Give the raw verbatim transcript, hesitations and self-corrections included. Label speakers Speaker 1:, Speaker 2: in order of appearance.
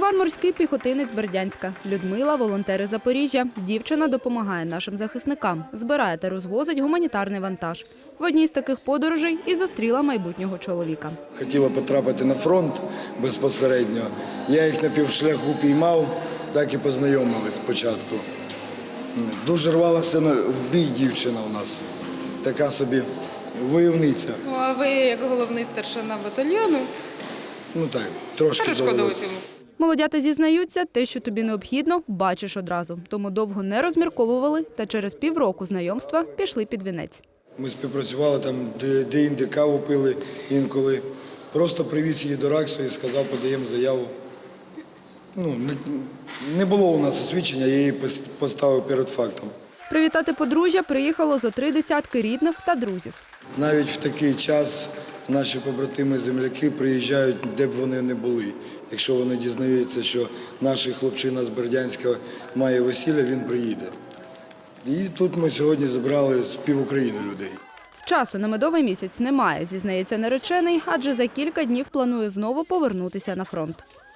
Speaker 1: Іван – морський піхотинець Бердянська. Людмила – волонтери Запоріжжя. Дівчина допомагає нашим захисникам, збирає та розвозить гуманітарний вантаж. В одній з таких подорожей і зустріла майбутнього чоловіка.
Speaker 2: Хотіла потрапити на фронт безпосередньо. Я їх на півшляху піймав, так і познайомились спочатку. Дуже рвалася в бій дівчина у нас, така собі войовниця.
Speaker 3: Ну, а ви як головний старшина батальйону?
Speaker 2: Ну так, трошки
Speaker 3: Перешкодили
Speaker 2: довелося.
Speaker 3: цьому.
Speaker 1: Молодята зізнаються, те, що тобі необхідно, бачиш одразу. Тому довго не розмірковували та через півроку знайомства пішли під вінець.
Speaker 2: Ми співпрацювали там, де- де-інде каву пили інколи. Просто привіз її до РАКСу і сказав, подаємо заяву. Ну, не, не було у нас освідчення, я її пос- поставив перед фактом.
Speaker 1: Привітати подружжя приїхало зо три десятки рідних та друзів.
Speaker 2: Навіть в такий час наші побратими-земляки приїжджають, де б вони не були. Якщо вони дізнаються, що наш хлопчина з Бердянська має весілля, він приїде. І тут ми сьогодні зібрали з пів України людей.
Speaker 1: Часу на медовий місяць немає, зізнається наречений, адже за кілька днів планує знову повернутися на фронт.